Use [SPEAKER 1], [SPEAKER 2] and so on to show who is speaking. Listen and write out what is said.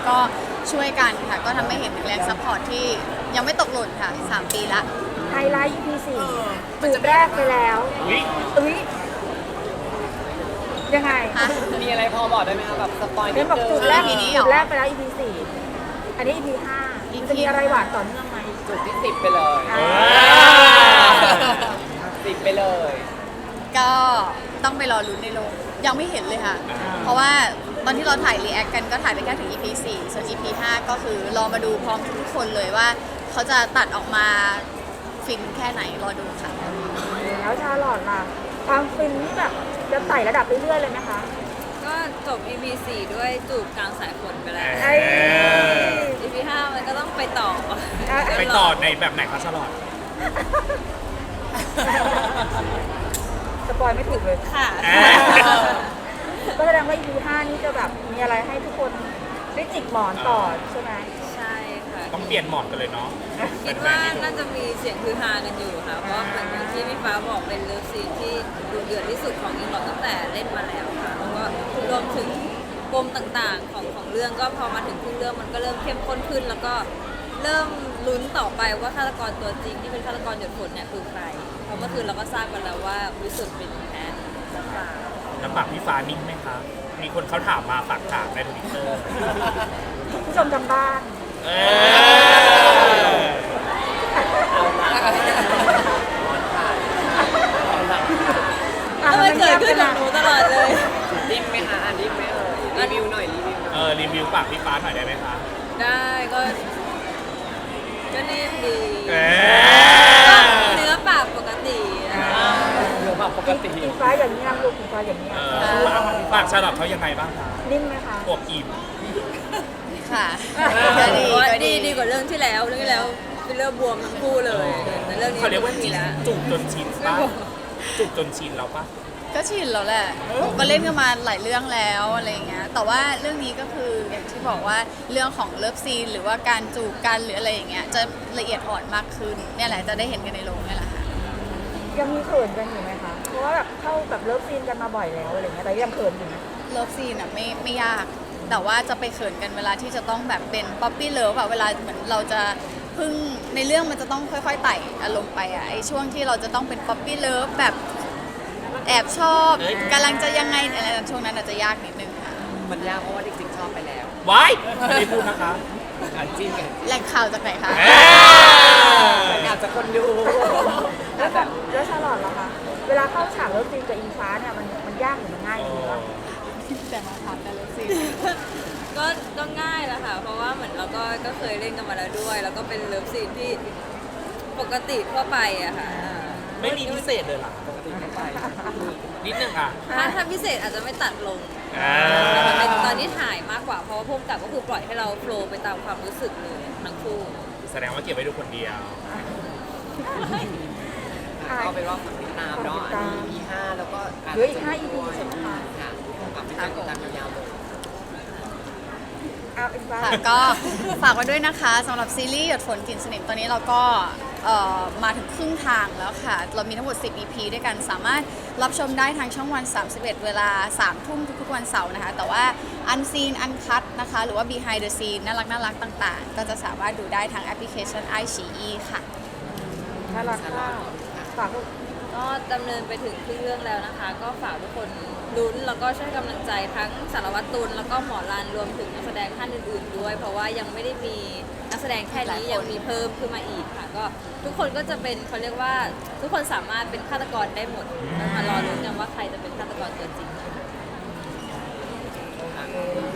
[SPEAKER 1] ก็ช่วยกันค่ะก็ทำให้เห็นถึงแรงซัพพอร์ตที่ยังไม่ตกหล่นค่ะ3 ปีละ
[SPEAKER 2] ไฮไลท์ EP 4จูบแรกไปแล้วอุ๊ยยังไง
[SPEAKER 1] ฮะ
[SPEAKER 3] มีอะไรพอบอกได้ไหมคะแบบสปอยนิ
[SPEAKER 2] เดิ
[SPEAKER 3] ด
[SPEAKER 2] นบอก
[SPEAKER 3] นึ
[SPEAKER 2] จู
[SPEAKER 3] ง
[SPEAKER 2] บแรก
[SPEAKER 1] EP นี้เหร
[SPEAKER 2] จู
[SPEAKER 1] อ
[SPEAKER 2] บแรกไปแล้ว EP 4อันนี้ EP 5มันจะมีอะไรหวานต่อเนื่องไหม
[SPEAKER 3] จุดที่10ไปเลย 10ไปเลย
[SPEAKER 1] ก็ต้องไปรอลุ้นในโรงยังไม่เห็นเลยค่ะ เพราะว่าตอนที่เราถ่ายรีแอคกันก็ถ่ายไปแค่ถึง EP 4 ส่วน EP 5 ก็คือรอมาดูพร้อมทุกคนเลยว่าเขาจะตัดออกมาฟินแค่ไหนรอดูค่ะ
[SPEAKER 2] แล้วชาลอตล่ะความฟินนี่แบบจะไต่ระดับเรื่อยๆเลยไหมคะ
[SPEAKER 4] ก็จบ EP 4 ด้วยจูบกลางสายฝนไปแล้ว
[SPEAKER 2] ไอ้
[SPEAKER 4] EP 5 มันก็ต้องไปต่อ
[SPEAKER 5] ไปต่อในแบบไหนคะชาลอต
[SPEAKER 2] สปอยไม่ถูกเลย
[SPEAKER 4] ค่ะ
[SPEAKER 2] ก็แสดงว่า EP 5นี่จะแบบมีอะไรให้ทุกคนได้จิกหมอนต่อใช่ไหม
[SPEAKER 4] ใช่ค่ะ
[SPEAKER 5] ต้องเปลี่ยนหมอนกันเลยเนาะ
[SPEAKER 4] คิดว่าน่าจะมีเสียงคือฮากันอยู่ค่ะ เพราะว่าเหมือนอย่างที่พี่ฟ้าบอกเป็นเลิฟซีนที่ดูเดือดที่สุดของอิงหลอดตั้งแต่เล่นมาแล้วค่ะ แล้วก็รวมถึงปมต่างๆของเรื่องก็พอมาถึงครึ่งเรื่องมันก็เริ่มเข้มข้นขึ้น แล้วก็เริ่มลุ้นต่อไปว่าฆาตกรตัวจริงที่เป็นฆาตกรหยดฝนเนี่ยคือใคร เพราะเมื่อคืนเราก็ทราบกันแล้วว่าวิสุทธ์เป็นแอนหรือเปล่า
[SPEAKER 5] น้ำปากพี่ฟ้านิ่งไหมคะมีคนเขาถามมาฝากถามในทวิตเตอร์
[SPEAKER 2] ผู้ชมทางบ้าน
[SPEAKER 5] เออ
[SPEAKER 4] ทำไมเกิดขึ้นกับหนูตลอดเลย
[SPEAKER 3] ดิ้มไหมคะดิ้มไหมรีวิวหน่อยรีวิวหน่อย
[SPEAKER 5] รีวิวปากพี่ฟ้าหน่อยได้ไหมคะ
[SPEAKER 4] ได้ก็นิ่มดี
[SPEAKER 5] เอ
[SPEAKER 4] เนื้อปากปกตินะคะ
[SPEAKER 3] เดี๋ยวแบบปกติ
[SPEAKER 2] อีฟ้าอย่างเงี้ยลูกอีฟ้าอย่างเงี้ย
[SPEAKER 5] ปากชาลอตเขายังไงบ้างคะ
[SPEAKER 2] นิ่มไหมคะ
[SPEAKER 5] อวบอิ่ม
[SPEAKER 1] ค่ะก็ดี
[SPEAKER 4] ว่า
[SPEAKER 1] ก็
[SPEAKER 4] ดี
[SPEAKER 1] ดี
[SPEAKER 4] ดีกว่าเรื่องที่แล้วเรื่องที่แล้วเป็นเรื่องบวมทั้งคู่เลยแต่เรื่องนี้
[SPEAKER 5] เขาเรียกว่า
[SPEAKER 4] ไม่มี
[SPEAKER 5] จี
[SPEAKER 4] แล้ว
[SPEAKER 5] จูบจนชินป่ะจูบจนชินแล้วป่ะ
[SPEAKER 1] ก็ชินแล้วแหละก็เล่นกันมาหลายเรื่องแล้วอะไรอย่างเงี้ย แต่ว่าเรื่องนี้ก็คืออย่างที่บอกว่าเรื่องของเลิฟซีนหรือว่าการจูบกันหรืออะไรอย่างเงี้ยจะละเอียดอ่อนมากขึ้นเนี่ยแหละจะได้เห็นกันในโรงเนี่ยแหละค่ะ
[SPEAKER 2] ยังมีเขินกันอยู่ไหมคะ เพราะว่าแบบเข้าแบบเลิฟซีนกันมาบ่อยแล้วอะไรเงี้ยแต่ยังเขินอยู่นะ
[SPEAKER 1] เลิฟซีนอ่ะไม่ยาก แต่ว่าจะไปเขินกันเวลาที่จะต้องแบบเป็นป๊อปปี้เลิฟอะเวลาเหมือนเราจะพึ่งในเรื่องมันจะต้องค่อยๆไต่อารมณ์ไปอะไอช่วงที่เราจะต้องเป็นป๊อปปี้เลิฟแบบแอบชอบกำลังจะยังไงอะไรช่วงนั้นอาจจะยากนิดนึงค่ะ
[SPEAKER 3] มันยากเพราะว่าจริงๆชอบไปแล้ว
[SPEAKER 5] ไว้ไม่ได้พูดนะคะ
[SPEAKER 3] จิ้มกัน
[SPEAKER 1] แหล่งข่าวจากไหนคะ
[SPEAKER 3] อยากจะคนดู
[SPEAKER 2] แล้วชาลอตล่ะคะ เวลาเข้าฉากเลิฟซีนกับอิงฟ้าเนี่ยมันยากหรือมันง่ายดีวะ
[SPEAKER 1] แต่มาถามแต่เลิฟซีน
[SPEAKER 4] ก็ง่ายแหละค่ะ เพราะว่าเหมือนเราก็เคยเล่นกันมาแล้วด้วย แล้วก็เป็นเลิฟซีนที่ปกติทั่วไปอะค่ะ
[SPEAKER 5] ไม่มีพิเศษเลยเหรอ
[SPEAKER 3] ปกติเข้าไป
[SPEAKER 5] นิดนึงอ่ะ
[SPEAKER 4] ถ้าพิเศษอาจจะไม่ตัดลง
[SPEAKER 5] อ่า
[SPEAKER 4] มันเป็นตอนที่ถ่ายมากกว่า เพราะว่าพุ่มกับก็คือปล่อยให้เราโฟลว์ไปตามความรู้สึกเลยทั้งคู่
[SPEAKER 5] แสดงว่าเก็บไว้ดูคนเดียว
[SPEAKER 3] ก็เป็นว่าฝากติดตามเนาะอันนี้ EP 5แล้วก็
[SPEAKER 2] เหลืออีก5 EP ใช่ไหมคะ
[SPEAKER 3] ค่ะฝากติดตามยาวๆเลย
[SPEAKER 2] เอาอิงฟ้า
[SPEAKER 1] ค่ะก็ฝากไว้ด้วยนะคะสำหรับซีรีส์หยดฝนกลิ่นสนิมตอนนี้เราก็มาถึงครึ่งทางแล้วค่ะ เรามีทั้งหมด 10 EP ด้วยกันสามารถรับชมได้ทางช่องวัน 31 เวลา 3 ทุ่มทุกๆวันเสาร์นะคะ แต่ว่าอันซีนอันคัตนะคะ หรือว่า behind the scene น่ารักต่างๆ ก็จะสามารถดูได้ทางแอปพลิเคชัน iQIYI ค่ะ
[SPEAKER 2] ชาลอตค่ะฝากลูก
[SPEAKER 4] ก็ดำเนินไปถึงครึ่งเรื่องแล้วนะคะ ก็ฝากทุกคนลุ้นแล้วก็ช่วยกำลังใจทั้งสารวัตรตุลแล้วก็หมอรันรวมถึงนักแสดงท่านอื่นๆด้วย เพราะว่ายังไม่ได้มีนักแสดงแค่นี้ยังมีเพิ่มขึ้นมาอีกค่ะ ก็ทุกคนก็จะเป็นเขาเรียกว่าทุกคนสามารถเป็นฆาตกรได้หมดมารอลุ้นกันว่าใครจะเป็นฆาตกรตัวจริง
[SPEAKER 2] โอเค